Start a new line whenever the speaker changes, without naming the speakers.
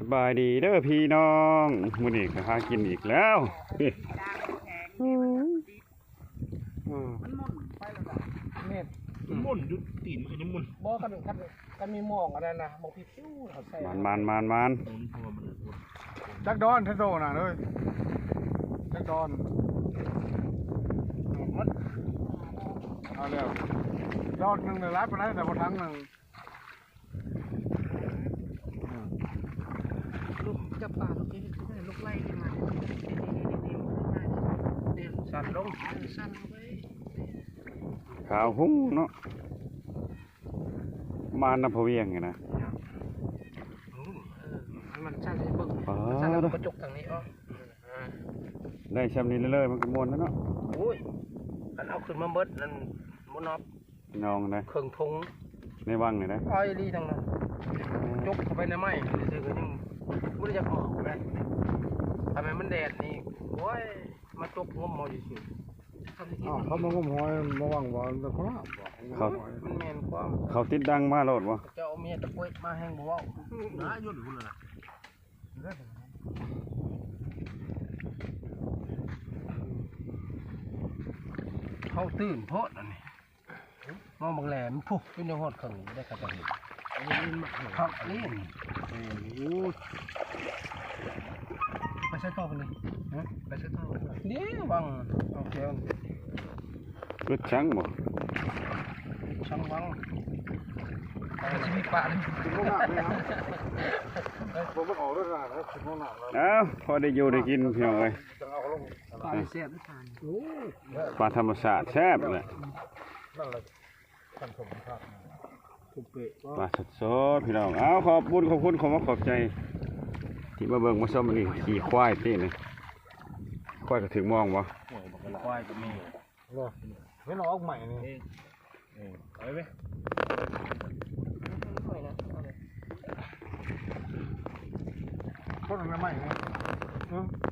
บายดีเด้อพี่น้องมื้อนี้ก็หากินอีกแล้วนี่
มันมุ่นไปแล้วล่ะเนี่ย
มุ่นยุดตีนมันยังมุ่น
บ่กันมีหมองอะไรนะหมองพี่ฟิวเขาใส่
มัน
มันพอมันเลยมุ่น
จักดอนเทโดน่ะเลยจักดอนมันเอาแล้วดอนหนึ่งเลยรับไปได้แต่พอทั้งหนึ่ง
ลูกจับปลาลูกนี้ลูกไล่ขึ้นมาสั่นลงสั่นไป
ขาวหุ้งเนาะมาน้ำพะเวียงไงนะ
มันสั่นให้เบิ่งสั่นแล้วกระจกทางนี้อ๋อ
ได้ชำนี้เลยๆมันก็ม่วนแล้วเนาะ
โอ้ยกันเอาขึ้นมาเบิดนั่นบ่นับ
น้องนะ
เครื่องทง
ในวังนี่นะ
อ้อยลีทั้งนั้นจกเข้าไปในไม้ซื่อๆก็ยังบ่ได้จะออกเลยทำไมมันแดดนี่โอ้ยมาจกงมเอาอยู่
เขามางมหอยมาว่างบอลแต่เขาละ
มันแม่นความ
เขาติดดังมาโลดวะ
เจ้าเมียตะกวยมาแห้งบ่เว้า
นะยุ่นหุ่นเลยนะ
เขาตื่นโพดอันนี้มองบางแหลมพุกเป็นยังหดขังได้กระจังครับอันนี้ไปใช้ต่อกันเลยไปใช้ต่อเดี๋ยวบังโอเค
รถช้างบ่
ช่างบังไปชีวิตปะเลย
ถึงห้องน้ำเลยนะผมไม่ออกด้วยนะถึงห้องน้ำแล้ว
เอ้าพอได้อยู่ได้กินพี่น้องเอ้ย
จะเอาลง
ปลาเสียบด้วยกันโอ้
ปลาธรรมชาติแซ่บเลย
นั่นแหละท่านสมภาพ
ถูกเปะ
ปลาสดๆพี่น้องเอาขอบคุณขอบใจที่มาเบิ่งมาชมอันนี้ขี่ควายที่นี่ควายก็ถึงมองบ่
ควายก็มี
เลยไม่รอออกใหม่นี่
ไปไหม
เขาทำไมใหม่นี่